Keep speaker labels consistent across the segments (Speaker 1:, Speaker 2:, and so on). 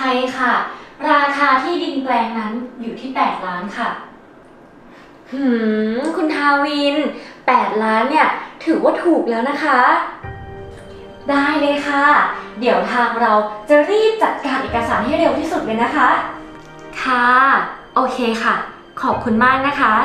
Speaker 1: ช่ค่ะราคาที่ดินแปลงนั้นอยู่ที่8 ล้านค่ะคุณทาวิน8 ล้านเนี่ยถือว่าถูกแล้วนะคะได้เลยค่ะเดี๋ยวทางเราจะรีบจัดการเอกสารให้เร็วที่สุดเลยนะคะค่ะโอเคค่ะขอบคุณมากนะคะ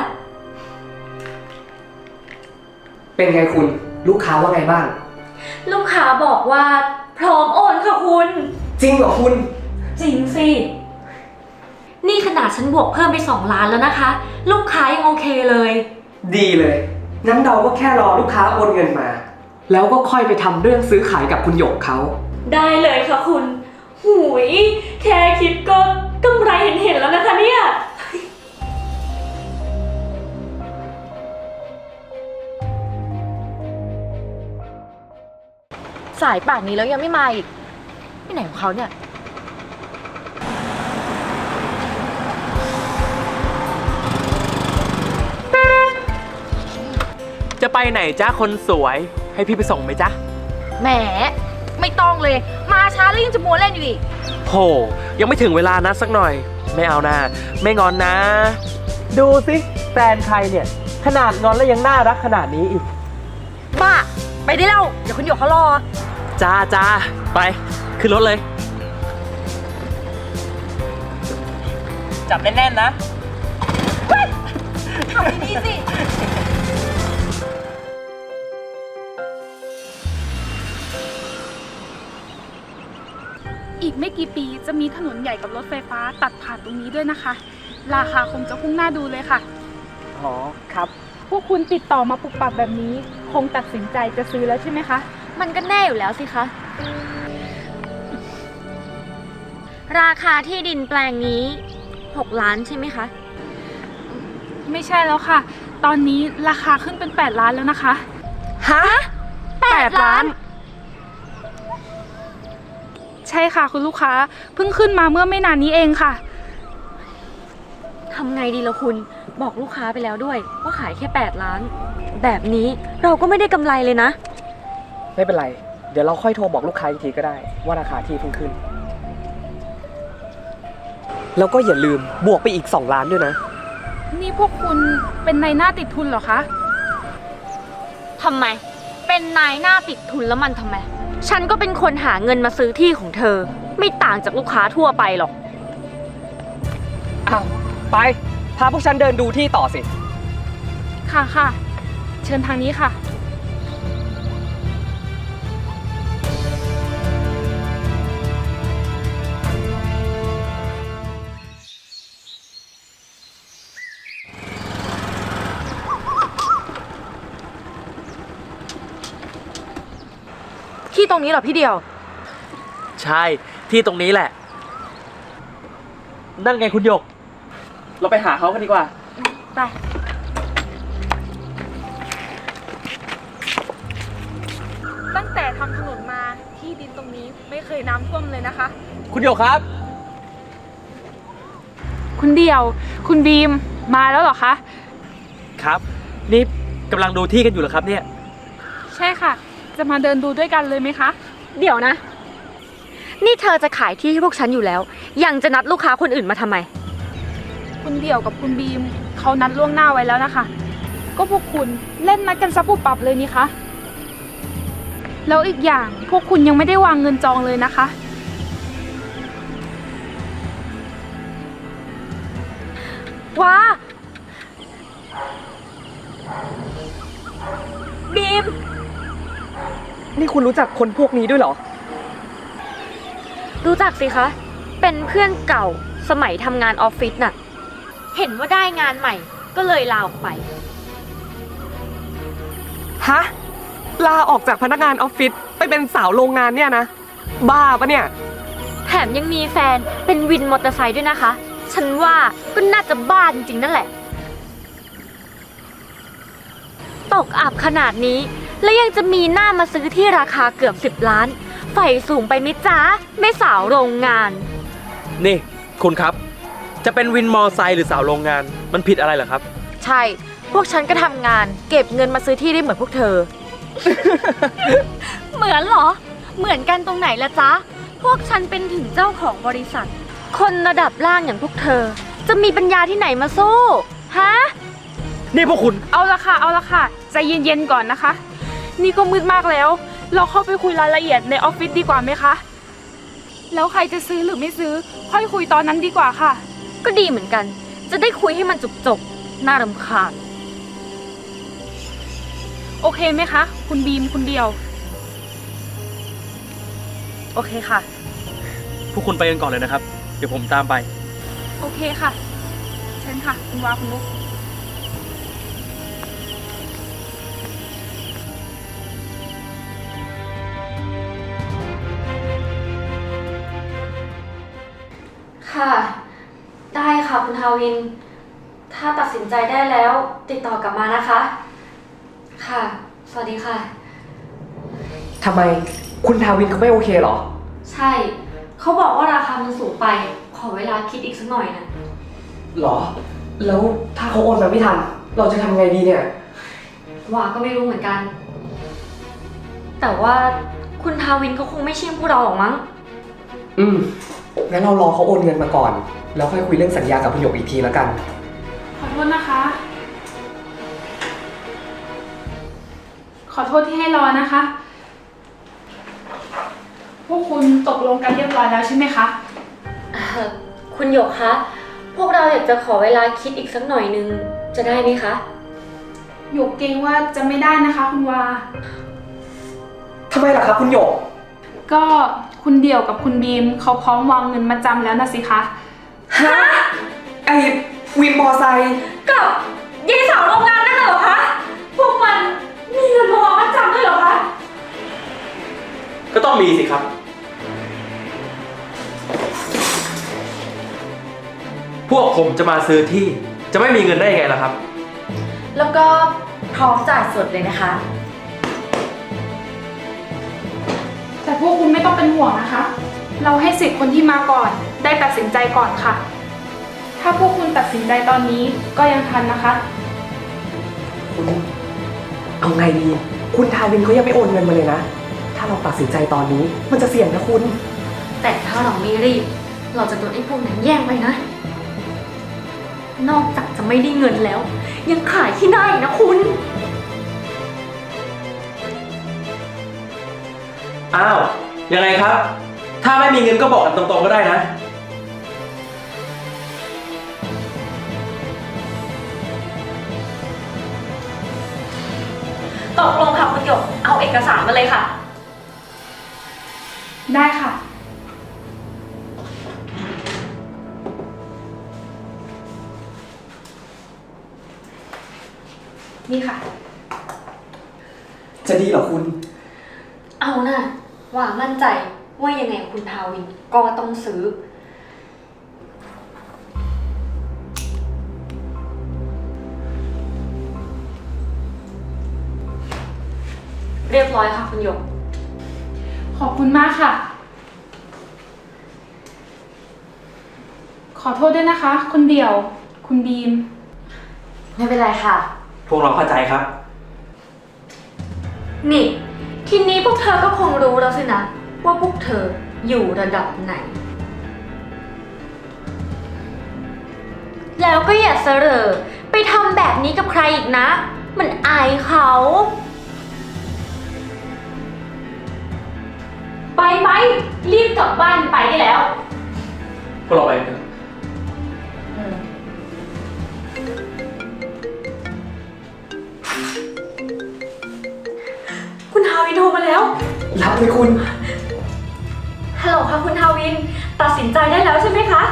Speaker 2: เป็นไงคุณลูกค้าว่าไงบ้าง
Speaker 1: ลูกค้าบอกว่าพร้อมโอนค่ะคุณ
Speaker 2: จริงเหรอคุณ
Speaker 1: จริงสินี่ขนาดฉันบวกเพิ่มไป2 ล้านแล้วนะคะลูกค้ายังโอเคเลย
Speaker 2: ดีเลยงั้นเราก็แค่รอลูกค้าโอนเงินมาแล้วก็ค่อยไปทำเรื่องซื้อขายกับคุณหยกเขา
Speaker 1: ได้เลยค่ะคุณหูยแค่คิดก็กำไรเห็นแล้วนะคะเนี่ย
Speaker 3: สายป่านนี้แล้วยังไม่มาอีกที่ไหนของเขาเนี่ย
Speaker 4: จะไปไหนจ้าคนสวยให้พี่ไปส่งไหมจ๊ะ
Speaker 3: แหมไม่ต้องเลยมาช้าแล้วยังจะมัวเล่นอยู่อีก
Speaker 4: โหยังไม่ถึงเวลานะสักหน่อยไม่เอานะไม่งอนนะดูสิแฟนใครเนี่ยขนาดงอนแล้วยังน่ารักขนาดนี้อีก
Speaker 3: บ้าไปได้แล้วเดี๋ยวคุณหยกเขารอ
Speaker 4: จ้าจ้าไปขึ้นรถเลยจับแน่นๆนะ
Speaker 3: ทำดีๆสิ
Speaker 5: อีกไม่กี่ปีจะมีถนนใหญ่กับรถไฟฟ้าตัดผ่านตรงนี้ด้วยนะคะราคาคงจะพุ่งหน้าดูเลยค่ะ
Speaker 4: อ๋อครับ
Speaker 5: พวกคุณติดต่อมาปุกปักแบบนี้คงตัดสินใจจะซื้อแล้วใช่ไหมคะ
Speaker 1: มันก็แน่อยู่แล้วสิคะราคาที่ดินแปลงนี้6 ล้านใช่ไหมคะ
Speaker 5: ไม่ใช่แล้วค่ะตอนนี้ราคาขึ้นเป็น8 ล้านแล้วนะคะ
Speaker 4: ฮะ8 ล้าน
Speaker 5: ใช่ค่ะคุณลูกค้าเพิ่งขึ้นมาเมื่อไม่นานนี้เองค่ะ
Speaker 1: ทำไงดีล่ะคุณบอกลูกค้าไปแล้วด้วยว่าขายแค่8 ล้านแบบนี้เราก็ไม่ได้กำไรเลยนะ
Speaker 2: ไม่เป็นไรเดี๋ยวเราค่อยโทรบอกลูกค้าอีกทีก็ได้ว่าราคาที่เพิ่งขึ้นแล้วก็อย่าลืมบวกไปอีก2 ล้านด้วยนะ
Speaker 5: นี่พวกคุณเป็นนายหน้าติดทุนเหรอคะ
Speaker 1: ทำไมเป็นนายหน้าติดทุนแล้วมันทำไมฉันก็เป็นคนหาเงินมาซื้อที่ของเธอไม่ต่างจากลูกค้าทั่วไปหรอก
Speaker 2: อ้าวไปพาพวกฉันเดินดูที่ต่อสิ
Speaker 5: ค่ะค่ะเชิญทางนี้ค่ะ
Speaker 3: ที่ตรงนี้เหรอพี่เดียว
Speaker 4: ใช่ที่ตรงนี้แหละนั่นไงคุณหยกเราไปหาเขากันดีกว่า
Speaker 3: ไป
Speaker 5: ตั้งแต่ทำถนนมาที่ดินตรงนี้ไม่เคยน้ำท่วมเลยนะคะ
Speaker 4: คุณหยกครับ
Speaker 5: คุณเดียวคุณบีมมาแล้วเหรอคะ
Speaker 4: ครับนี่กำลังดูที่กันอยู่เหรอครับเนี่ย
Speaker 5: ใช่ค่ะจะมาเดินดูด้วยกันเลยไหมคะ
Speaker 1: เดี๋ยวนะนี่เธอจะขายที่ให้พวกฉันอยู่แล้วยังจะนัดลูกค้าคนอื่นมาทำไม
Speaker 5: คุณเดี่ยวกับคุณบีมเขานัดล่วงหน้าไว้แล้วนะคะก็พวกคุณเล่นนัดกันซับปุบปับเลยนี่คะแล้วอีกอย่างพวกคุณยังไม่ได้วางเงินจองเลยนะคะ
Speaker 1: ว้าบีม
Speaker 2: นี่คุณรู้จักคนพวกนี้ด้วยเหรอ
Speaker 1: รู้จักสิคะเป็นเพื่อนเก่าสมัยทำงานออฟฟิศน่ะเห็นว่าได้งานใหม่ก็เลยลาออกไป
Speaker 2: ฮะลาออกจากพนักงานออฟฟิศไปเป็นสาวโรงงานเนี่ยนะบ้าปะเนี่ย
Speaker 1: แถมยังมีแฟนเป็นวินมอเตอร์ไซค์ด้วยนะคะฉันว่าก็น่าจะบ้าจริงๆนั่นแหละตกอับขนาดนี้แล้วยังจะมีหน้ามาซื้อที่ราคาเกือบ10 ล้านไฟสูงไปไหมจ๊ะแม่สาวโรงงาน
Speaker 4: นี่คุณครับจะเป็นวินมอไซค์หรือสาวโรงงานมันผิดอะไรเหรอครับ
Speaker 3: ใช่พวกฉันก็ทำงานเก็บเงินมาซื้อที่ได้เหมือนพวกเธอ
Speaker 1: เหมือนเหรอเหมือนกันตรงไหนละจ๊ะพวกฉันเป็นถึงเจ้าของบริษัท คนระดับล่างอย่างพวกเธอ จะมีปัญญาที่ไหนมาสู้ ฮะ
Speaker 4: นี่พวกคุณ
Speaker 5: เอาละค่ะใจเย็นๆก่อนนะคะ นี่ก็มืดมากแล้ว เราเข้าไปคุยรายละเอียดในออฟฟิศดีกว่าไหมคะ แล้วใครจะซื้อหรือไม่ซื้อ ค่อยคุยตอนนั้นดีกว่าค่ะ
Speaker 1: ก็ดีเหมือนกัน จะได้คุยให้มันจบๆ น่ารำคาญ
Speaker 5: โอเคไหมคะ คุณบีมคุณเดียว
Speaker 1: โอเคค่ะ
Speaker 4: พวกคุณไปกันก่อนเลยนะครับ เดี๋ยวผมตามไป
Speaker 5: โอเคค่ะเชิญค่ะ คุณวาคุณนุ๊ก
Speaker 1: ค่ะ ได้ค่ะคุณทาวิน ถ้าตัดสินใจได้แล้วติดต่อกลับมานะคะ ค่ะ สวัสดีค่ะ
Speaker 2: ทำไมคุณทาวินเขาไม่โอเคเหรอ
Speaker 1: ใช่ เขาบอกว่าราคามันสูงไป ขอเวลาคิดอีกสักหน่อยนะ
Speaker 2: หรอ แล้วถ้าเขาโอนมาไม่ทัน เราจะทำไงดีเนี่ย
Speaker 1: ว่าก็ไม่รู้เหมือนกัน แต่ว่าคุณทาวินเขาคงไม่เชื่อพวกเราหรอกมั้ง
Speaker 2: งั้นเรารอเขาโอนเงินมาก่อน แล้วค่อยคุยเรื่องสัญญากับคุณหยกอีกทีแล้วกัน
Speaker 5: ขอโทษนะคะ ขอโทษที่ให้รอนะคะ พวกคุณตกลงกันเรียบร้อยแล้วใช่ไหมคะ
Speaker 1: คุณหยกคะ พวกเราอยากจะขอเวลาคิดอีกสักหน่อยนึง จะได้ไหมคะ
Speaker 5: หยกเกรงว่าจะไม่ได้นะคะ คุณวา
Speaker 2: ทำไมล่ะครับคุณหยก
Speaker 5: ก็คุณเดี่ยวกับคุณบีมเขาพร้อมวางเงินมาจำแล้วนะสิคะ
Speaker 2: ฮะ ไอ้วินมอไซค์
Speaker 1: กับยายสาวโรงงานนั่นเหรอคะ พวกมันมีเงินมาวางมัดจำด้วยเหรอคะ
Speaker 4: ก็ต้องมีสิครับ พวกผมจะมาซื้อที่ จะไม่มีเงินได้ยังไงล่ะครับ
Speaker 1: แล้วก็พร้อมจ่ายสดเลยนะคะ
Speaker 5: แต่พวกคุณไม่ต้องเป็นห่วงนะคะ เราให้สิทธิ์คนที่มาก่อน ได้ตัดสินใจก่อนค่ะ ถ้าพวกคุณตัดสินใจตอนนี้ก็ยังทันนะคะ
Speaker 2: คุณเอาไงดี คุณทาวินเขายังไม่โอนเงินมาเลยนะ ถ้าเราตัดสินใจตอนนี้มันจะเสี่ยงนะคุณ
Speaker 1: แต่ถ้าเราไม่รีบ เราจะโดนไอ้พวกนั้นแย่งไปนะ นอกจากจะไม่ได้เงินแล้ว ยังขายที่หน้าอีกนะคุณ
Speaker 4: อ้าว ยังไงครับ ถ้าไม่มีเงินก็บอกกันตรงๆก็ได้นะ
Speaker 1: ตกลงค่ะคุณหยก เอาเอกสารมาเลยค่ะ
Speaker 5: ได้ค่ะ นี่ค่ะ
Speaker 2: จะดีเหรอคุณ
Speaker 1: เอานะว่ามั่นใจว่ายังไงคุณทาวินก็ต้องซื้อ เรียบร้อยค่ะคุณหยก
Speaker 5: ขอบคุณมากค่ะ ขอโทษด้วยนะคะ คุณเดี่ยว คุณบีม
Speaker 1: ไม่เป็นไรค่ะ
Speaker 4: พวกเราเข้าใจครับ
Speaker 1: นี่ ทีนี้พวกเธอก็คงรู้แล้วสินะ ว่าพวกเธออยู่ระดับไหน แล้วก็อย่าเสรอไปทำแบบนี้กับใครอีกนะ มันอายเขา ไปรีบกลับบ้านไปได้แล้ว
Speaker 4: พวกเราไปเถอะ
Speaker 1: คุณทาวินโทรมาแล้ว
Speaker 2: รับเลยคุณ
Speaker 1: ฮัลโหลค่ะคุณทาวิน ตัดสินใจได้แล้วใช่ไหมคะ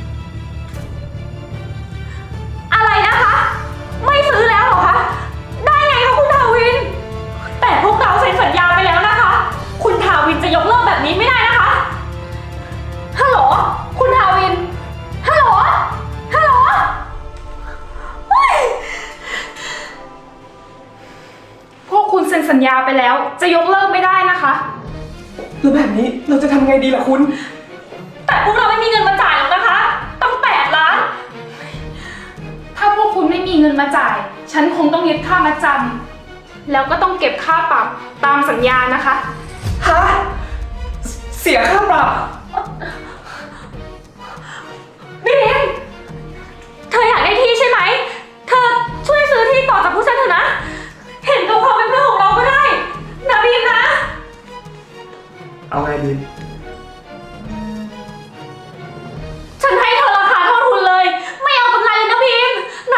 Speaker 1: อะไรนะคะ ไม่ซื้อแล้วเหรอคะ ได้ไงคะคุณทาวิน แต่พวกเราเซ็นสัญญาไปแล้วนะคะ คุณทาวินจะยกเลิกแบบนี้ไม่ได้นะคะ ฮัลโหล คุณทาวิน ฮัลโหล ฮัลโหลเฮ้ย
Speaker 5: พวกคุณเซ็นสัญญาไปแล้ว จะยกเลิกไม่ได้นะคะ
Speaker 2: แล้วแบบนี้เราจะทำไงดีล่ะคุณ
Speaker 1: แต่พวกเราไม่มีเงินมาจ่ายหรอกนะคะ ต้อง8 ล้าน
Speaker 5: ถ้าพวกคุณไม่มีเงินมาจ่าย ฉันคงต้องยึดค่ามัดจำแล้วก็ต้องเก็บค่าปรับตามสัญญานะคะ
Speaker 2: ฮะเสียค่าปรับ
Speaker 1: บีม เธออยากได้ที่ใช่ไหม เธอช่วยซื้อที่ต่อจากพวกฉันเถอะนะ เห็นกับความเป็นเพื่อนของเราก็ได้นะบีมนะ
Speaker 2: เอาไงบีม
Speaker 1: ฉันให้เธอราคาเท่าทุนเลย ไม่เอากำไรเลยนะบีมนะ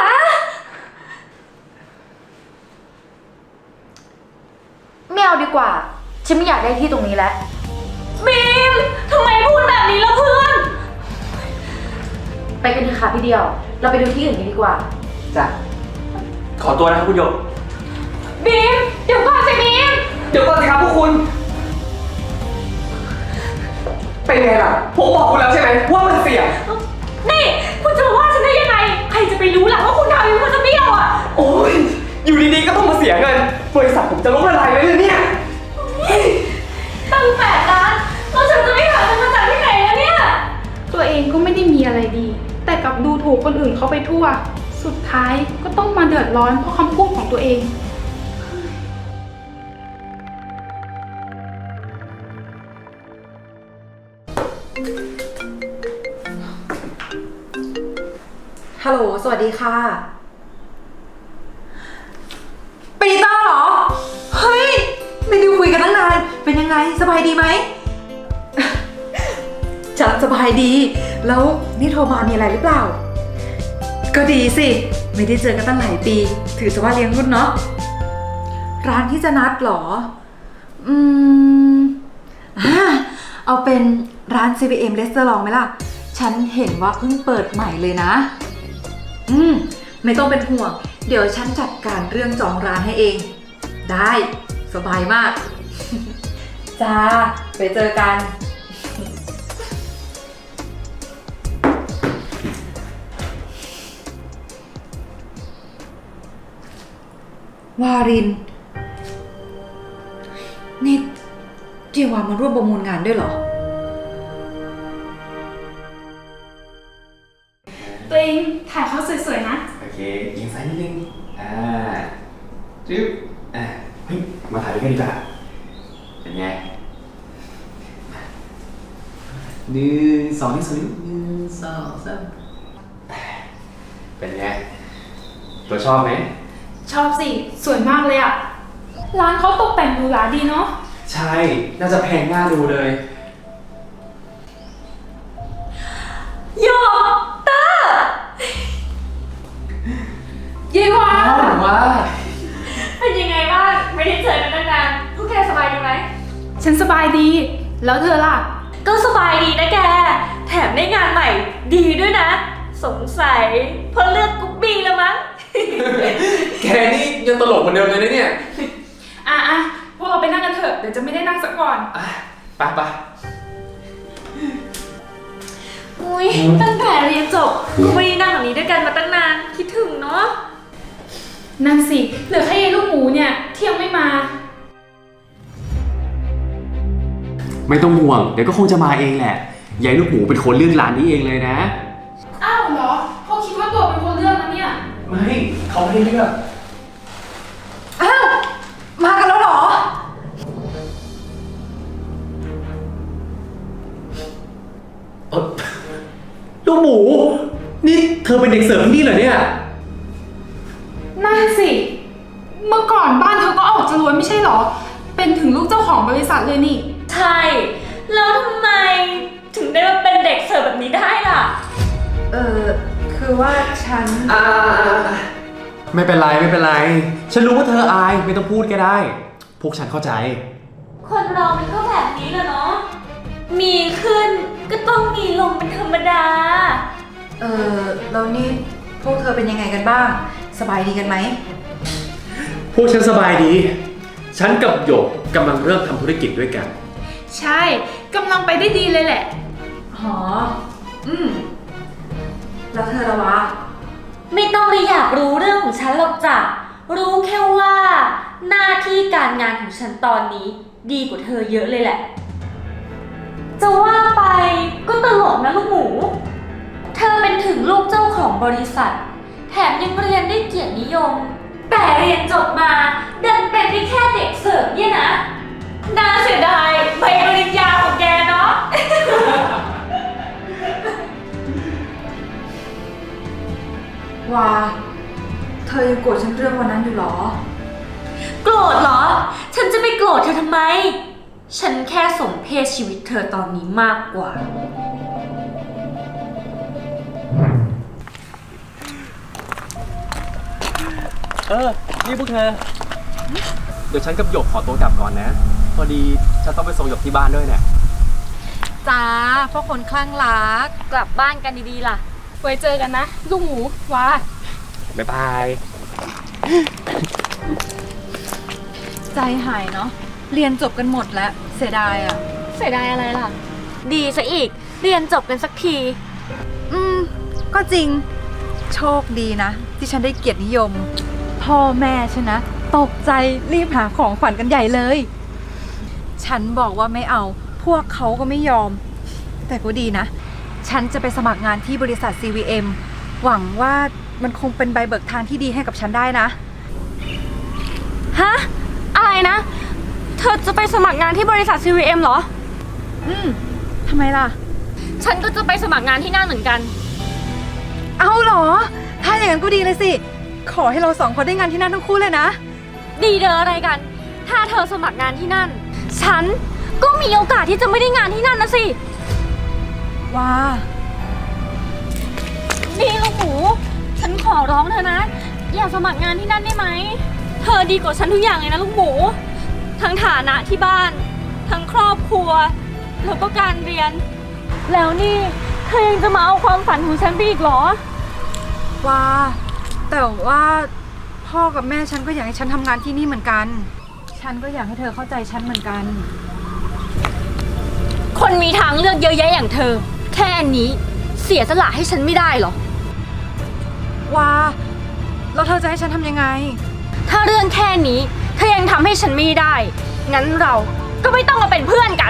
Speaker 3: ไม่เอาดีกว่า ฉันไม่อยากได้ที่ตรงนี้แล้ว
Speaker 1: บีมทำไมพูดแบบนี้ล่ะเพื่อน
Speaker 3: ไปกันเถอะค่ะพี่เดียว เราไปดูที่อื่นกันดีกว่า
Speaker 4: จ้ะ ขอตัวนะครับคุณหยก
Speaker 1: บีม เดี๋ยวก่อนสิบีม
Speaker 2: เดี๋ยวก่อนสิครับพวกคุณ เป็นไงล่ะ ผมบอกคุณแล้วใช่ไหมว่ามันเสี่ยง
Speaker 1: นี่คุณจะมาว่าฉันได้ยังไง ใครจะไปรู้ล่ะว่าคุณทำอยู่คุณจะเบี้ยวอ่ะ
Speaker 2: โอ้ย อยู่ดีๆก็ต้องมาเสียเงิน บริษัทผมจะล้มละลายเลยเนี่ย
Speaker 1: ตั้ง8 ล้านแล้วฉันจะไม่หาเงินมาจากที่ไหนแล้วเนี่ย
Speaker 5: ตัวเองก็ไม่ได้มีอะไรดี แต่กลับดูถูกคนอื่นเขาไปทั่ว สุดท้ายก็ต้องมาเดือดร้อนเพราะคำพูดของตัวเอง
Speaker 6: ฮัลโหล สวัสดีค่ะ ปีเตอร์เหรอ เฮ้ย ไม่ได้คุยกันตั้งนาน เป็นยังไง สบายดีไหม ฉันสบายดี แล้วนี่โทรมามีอะไรหรือเปล่า ก็ดีสิ ไม่ได้เจอกันตั้งหลายปี ถือซะว่าเลี้ยงรุ่นเนาะ ร้านที่จะนัดเหรอ อืมอ่าเอาเป็นร้าน CVM Restaurant ไหมล่ะ ฉันเห็นว่าเพิ่งเปิดใหม่เลยนะ ไม่ต้องเป็นห่วง เดี๋ยวฉันจัดการเรื่องจองร้านให้เอง ได้สบายมาก จ้า ไปเจอกัน วาริน นี่เจวามาร่วมประมูลงานด้วยเหรอ
Speaker 5: ตัวเองถ่ายเขาสวยๆนะ
Speaker 7: โอเคยิงซ้ายนิดนึงจึ๊บเฮ้ย มาถ่ายด้วยกันดีกว่า เป็นไง1 2 1 1 2 3เป็นไง ตัวชอบไหม
Speaker 5: ชอบสิ สวยมากเลยอะร้านเขาตกแต่งหรูหราดีเนาะ
Speaker 7: ใช่ น่าจะแพงน่าดูเลย
Speaker 1: โยเตอร์
Speaker 5: เย้ว่า
Speaker 7: ว่า
Speaker 1: เป็นยังไงบ้าง ไม่ได้เจอกันตั้งนานพวกแกสบายดีไหม
Speaker 5: ฉันสบายดี แล้วเธอล่ะ
Speaker 1: ก็สบายดีนะแก แถมได้งานใหม่ดีด้วยนะ สงสัยเพราะเลือกกุ๊บบี้แล้วมั้ง
Speaker 7: แกนี่ยังตลกเหมือนเดิมเลยนะเนี่ย
Speaker 5: อ่ะพวกเราไปนั่งกันเถอะ เดี๋ยวจะไม่ได้นั่งสักก่อน
Speaker 7: ไป
Speaker 1: อุ้ยตั้งแต่เรียนจบก็ไม่ได้นั่งแบบนี้ด้วยกันมาตั้งนาน คิดถึงเนาะ
Speaker 5: นั่นสิ เหลือแค่ยายลูกหมูเนี่ยที่ยังไม่มา
Speaker 7: ไม่ต้องห่วง เดี๋ยวก็คงจะมาเองแหละ ยายลูกหมูเป็นคนเลือกร้านนี้เองเลยนะ
Speaker 5: อ้าวเหรอเขาคิดว่าตัวเป็นคนเลือกนะเนี่ย
Speaker 7: ไม่ เขาไม่ได้เลือก
Speaker 6: อ้าว มากันแล้วเหรอ
Speaker 7: ลูกหมู นี่เธอเป็นเด็กเสิร์ฟที่นี่เหรอเนี่ย
Speaker 5: นั่นสิ เมื่อก่อนบ้านเธอก็ออกจะรวยไม่ใช่เหรอ เป็นถึงลูกเจ้าของบริษัทเลยนี่
Speaker 1: ใช่ แล้วทำไมถึงได้มาเป็นเด็กเสิร์ฟแบบนี้ได้ล่ะ
Speaker 6: คือว่าฉัน
Speaker 7: ไม่เป็นไรไม่เป็นไร ฉันรู้ว่าเธออายไม่ต้องพูดก็ได้ พวกฉันเข้าใจ
Speaker 1: คนเรามันก็แบบนี้แหละเนาะ มีขึ้นก็ต้องมีลงเป็นธรรมดา
Speaker 6: แล้วนี่พวกเธอเป็นยังไงกันบ้าง สบายดีกันไหม
Speaker 7: พวกฉันสบายดี ฉันกับหยกกำลังเริ่มทำธุรกิจด้วยกัน
Speaker 5: ใช่กำลังไปได้ดีเลยแหละ
Speaker 6: หอ แล้วเธอละวะ
Speaker 1: ไม่ต้องไปอยากรู้เรื่องของฉันหรอกจ้ะ รู้แค่ว่าหน้าที่การงานของฉันตอนนี้ดีกว่าเธอเยอะเลยแหละ จะว่าไปก็ตลกนะลูกหมู เธอเป็นถึงลูกเจ้าของบริษัท แถมยังเรียนได้เกียรตินิยม แต่เรียนจบมาดันเป็นได้แค่เด็กเสิร์ฟเนี่ยนะน่าเสียดายใบปริญญาของแกเนาะ
Speaker 6: ว่าเธอยังโกรธฉันเรื่องวันนั้นอยู่เหรอ
Speaker 1: โกรธเหรอ ฉันจะไปโกรธเธอทำไม ฉันแค่สมเพศชีวิตเธอตอนนี้มากกว่า
Speaker 4: นี่พวกเธอ เดี๋ยวฉันกับหยกขอตัวกลับก่อนนะ พอดีฉันต้องไปส่งหยกที่บ้านด้วยเนี่ย
Speaker 6: จ้าพวกคนคลั่งรัก
Speaker 1: กลับบ้านกันดีๆล่ะ
Speaker 5: ไว้เจอกันนะ ลูกหมูว้า
Speaker 4: บ๊ายบาย
Speaker 6: ใจหายเนาะ เรียนจบกันหมดแล้ว เสียดายอ่ะ
Speaker 1: เสียดายอะไรล่ะ ดีซะอีก เรียนจบกันสักที
Speaker 6: ก็จริง โชคดีนะ ที่ฉันได้เกียรตินิยม พ่อแม่ฉันนะ ตกใจรีบหาของขวัญกันใหญ่เลย ฉันบอกว่าไม่เอา พวกเขาก็ไม่ยอม แต่ก็ดีนะ ฉันจะไปสมัครงานที่บริษัท CVM หวังว่ามันคงเป็นใบเบิกทางที่ดีให้กับฉันได้นะ
Speaker 1: ฮะ อะไรนะ เธอจะไปสมัครงานที่บริษัท CVM เหรอ
Speaker 6: ทำไมล่ะ
Speaker 1: ฉันก็จะไปสมัครงานที่นั่นเหมือนกัน
Speaker 6: เอาเหรอ ถ้าอย่างนั้นก็ดีเลยสิ ขอให้เราสองคนได้งานที่นั่นทั้งคู่เลยนะ
Speaker 1: ดีเดออะไรกัน ถ้าเธอสมัครงานที่นั่น ฉันก็มีโอกาสที่จะไม่ได้งานที่นั่นนะสิ
Speaker 6: ว้า
Speaker 1: นี่ลูกหมู ฉันขอร้องเธอนะ อย่าสมัครงานที่นั่นได้ไหม เธอดีกว่าฉันทุกอย่างเลยนะลูกหมู ทั้งฐานะที่บ้าน ทั้งครอบครัว แล้วก็การเรียน แล้วนี่เธอยังจะมาเอาความฝันของฉันไปอีกเหรอ
Speaker 6: ว่าแต่ว่าพ่อกับแม่ฉันก็อยากให้ฉันทำงานที่นี่เหมือนกัน ฉันก็อยากให้เธอเข้าใจฉันเหมือนกัน
Speaker 1: คนมีทางเลือกเยอะแยะอย่างเธอ แค่นี้เสียสละให้ฉันไม่ได้เหรอ
Speaker 6: ว่าแล้วเธอจะให้ฉันทำยังไง
Speaker 1: ถ้าเรื่องแค่นี้เธอยังทำให้ฉันไม่ได้ งั้นเราก็ไม่ต้องมาเป็นเพื่อนกัน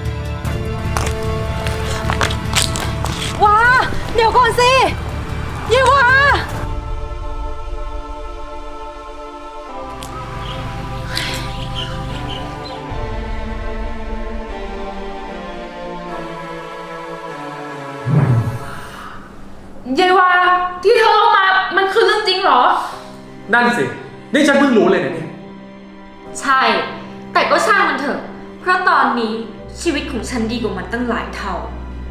Speaker 6: ว้าเดี๋ยวก่อนสิเยว่า
Speaker 5: เยายวาที่เธอเอามา มันคือเรื่องจริงเหรอ
Speaker 4: นั่นสิ นี่ฉันเพิ่งรู้เลยนะเนี่ย
Speaker 1: ใช่ แต่ก็ช่างมันเถอะ เพราะตอนนี้ชีวิตของฉันดีกว่ามันตั้งหลายเท่า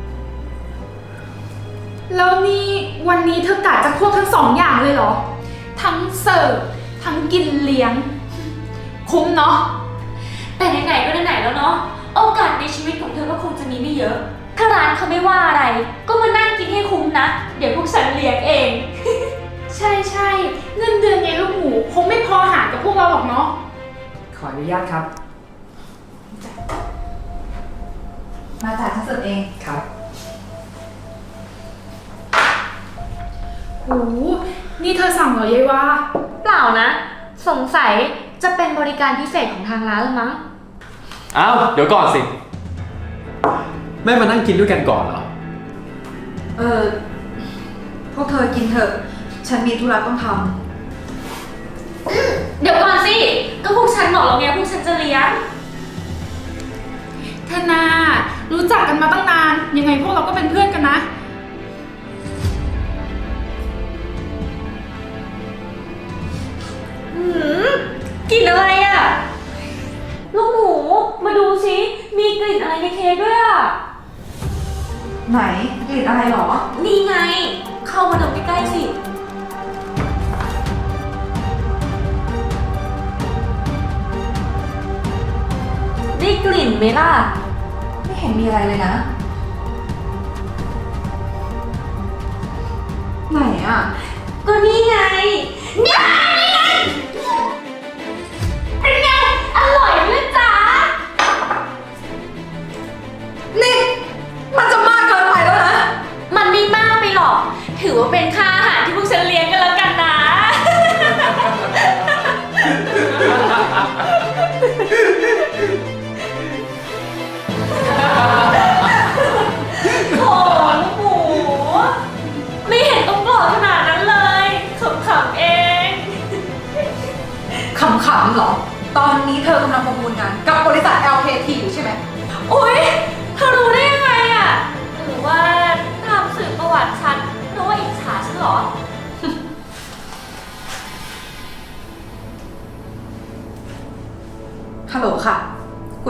Speaker 5: แล้วนี่วันนี้เธอกะจะควบทั้งสองอย่างเลยเหรอ ทั้งเสิร์ฟทั้งกินเลี้ยง คุ้มเนาะ
Speaker 1: แต่ไหนๆก็ไหนๆแล้วเนาะ โอกาสในชีวิตของเธอก็คงจะมีไม่เยอะ ถ้าร้านเขาไม่ว่าอะไร ก็มานั่งกินให้คุ้มนะ เดี๋ยวพวกฉันเลี้ยงเอง
Speaker 5: ใช่ใช่เงินเดือนไงลูกหมูคงไม่พอหารกับพวกเราหรอกเนาะ
Speaker 2: ขออนุญาตครับ
Speaker 6: มาจ่ายฉันเสิร์ฟเอง
Speaker 2: ครับ
Speaker 5: โห นี่เธอสั่งเหรอยายวา
Speaker 1: เปล่านะ สงสัยจะเป็นบริการพิเศษของทางร้านละมั้ง
Speaker 7: อ้าวเดี๋ยวก่อนสิ แม่มานั่งกินด้วยกันก่อนเหรอ
Speaker 6: พวกเธอกินเถอะ ฉันมีธุระต้องท
Speaker 1: เดี๋ยวก่อนสิ ก็พวกฉันบอกแล้วไงพวกฉันจะเลี้ยง
Speaker 5: ธนา รู้จักกันมาตั้งนาน ยังไงพวกเราก็เป็นเพื่อนกันนะ
Speaker 1: กลิ่นอะไรอะ ลูกหมู มาดูสิ มีกลิ่นอะไรในเค้กด้วยอะ
Speaker 6: ำไหนกลิ่นอะไรหรอ
Speaker 1: นี่ไง เข้ามาดมใกล้ๆสิ ได้กลิ่นไหมล่ะ
Speaker 6: ไม่เห็นมีอะไรเลยนะ ไหนอ่ะ
Speaker 1: ก็นี่ไงเนี่ยเป็นไง อร่อยไหมจ๊ะ
Speaker 6: นี่ มันจะมากเกินไปแล้วนะ
Speaker 1: มันไม่มากไปหรอก ถือว่าเป็นค่าอาหารที่พวกฉันเลี้ยงกันแล้วกันนะ โอ้ลูกหมู ไม่เห็นต้องโกรธขนาดนั้นเลยขำๆเอง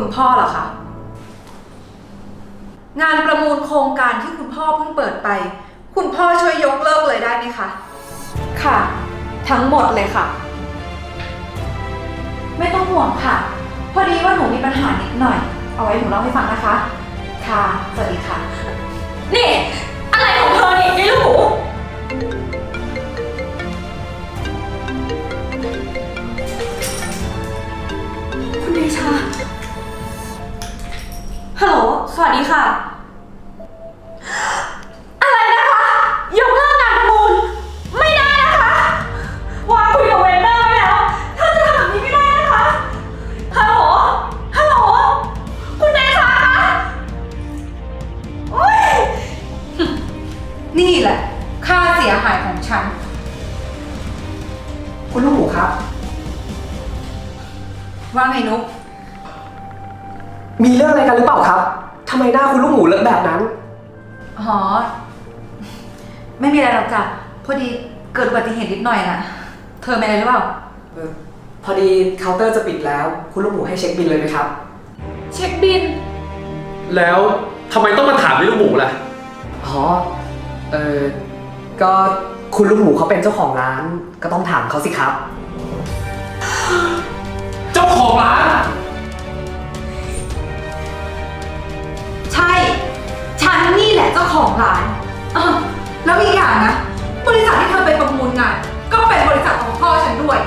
Speaker 6: พ่อเหรอคะ งานประมูลโครงการที่คุณพ่อเพิ่งเปิดไป คุณพ่อช่วยยกเลิกเลยได้ไหมคะ ค่ะ ทั้งหมดเลยค่ะ ไม่ต้องห่วงค่ะ พอดีว่าหนูมีปัญหานิดหน่อย เอาไว้หนูเล่าให้ฟังนะคะ ค่ะ สวัสดีค่ะ
Speaker 1: นี่ อะไรของเธอเนี่ยยายลูกหมูคุณเดชา ฮัลโหล สวัสดีค่ะ อะไรนะคะ ยกเลิกงานประมูล ไม่ได้นะคะ วางคุยกับเวนเดอร์ไว้แล้วถ้าจะทำแบบนี้ไม่ได้นะคะ ฮัลโหล ฮัลโหล คุณเดชาคะโอ๊ย
Speaker 6: นี่แหละ ค่าเสียหายของฉัน
Speaker 2: คุณลูกหมูครับ
Speaker 6: ว่าไงนุ๊ก
Speaker 2: มีเรื่องอะไรกันหรือเปล่าครับทำไมหน้าคุณลูกหมูเลอะแบบนั้น
Speaker 6: อ๋อ ไม่มีอะไรหรอกจ้ะ พอดีเกิดอุบัติเหตุนิดหน่อยน่ะ เธอเป็นอะไรหรือเปล่า
Speaker 2: พอดีเคาน์เตอร์จะปิดแล้ว คุณลูกหมูให้เช็คบิลเลยไหมครับ
Speaker 6: เช็คบิน
Speaker 7: แล้วทำไมต้องมาถามด้วยลูกหมูล่ะ
Speaker 2: อ๋อ ก็คุณลูกหมูเขาเป็นเจ้าของร้าน ก็ต้องถามเขาสิครับ
Speaker 7: เจ้าของร้าน
Speaker 6: ใช่ ฉันนี่แหละเจ้าของร้านแล้วอีกอย่างนะ บริษัทที่เธอไปประมูลงาน ก็เป็นบริษัทของพ่อฉันด้วย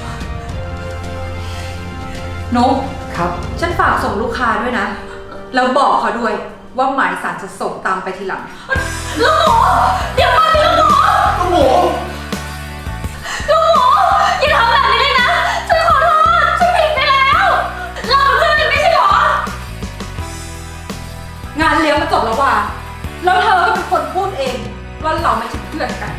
Speaker 6: นุ๊ก
Speaker 2: ครับ
Speaker 6: ฉันฝากส่งลูกค้าด้วยนะ แล้วบอกเขาด้วยว่าหมายสารจะส่งตามไปทีหลัง
Speaker 1: ลูกหมู เดี๋ยวก่อนสิลูกหมู
Speaker 7: ลูกหมู
Speaker 1: ลูกหมูอย่าทำแบบนี้เลยนะ ฉันขอโทษ ฉันผิดไปแล้ว เราเป็นเพื่อนกันไม่ใช่เหรอ
Speaker 6: งานเลี้ยงมันจบแล้วว่ะแล้วเธอก็เป็นคนพูดเองว่าเราไม่ใช่เพื่อนกัน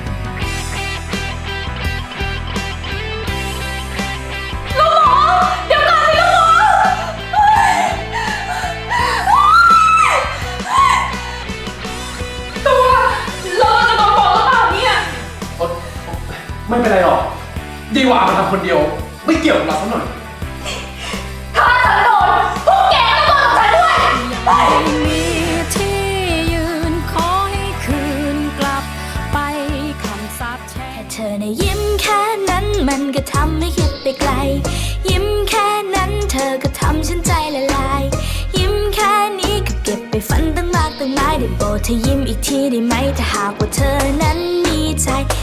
Speaker 1: ลูกหมู เดี๋ยวก่อนสิลูกหมูเฮ้ย
Speaker 6: ตัวเราจะโดนฟ้องหรือเปล่าเนี่ย
Speaker 7: ไม่เป็นไรหรอก ดีกว่ามาทำคนเดียว ไม่เกี่ยวกับเราสักหน่อย
Speaker 1: ถ้าฉันโดนพวกแกก็โดนกับฉันด้วยเฮ้ย
Speaker 8: มีที่ยืนขอให้คืนกลับไปคำสาปแช่งแค่เธอนะยิ้มแค่นั้นมันก็ทำให้คิดไปไกล ยิ้มแค่นั้นเธอก็ทำฉันใจละลาย ยิ้มแค่นี้ก็เก็บไปฝันตั้งมากตั้งหลายได้โปรดเธอยิ้มอีกทีได้ไหมถ้าหากว่าเธอนั้นมีใจ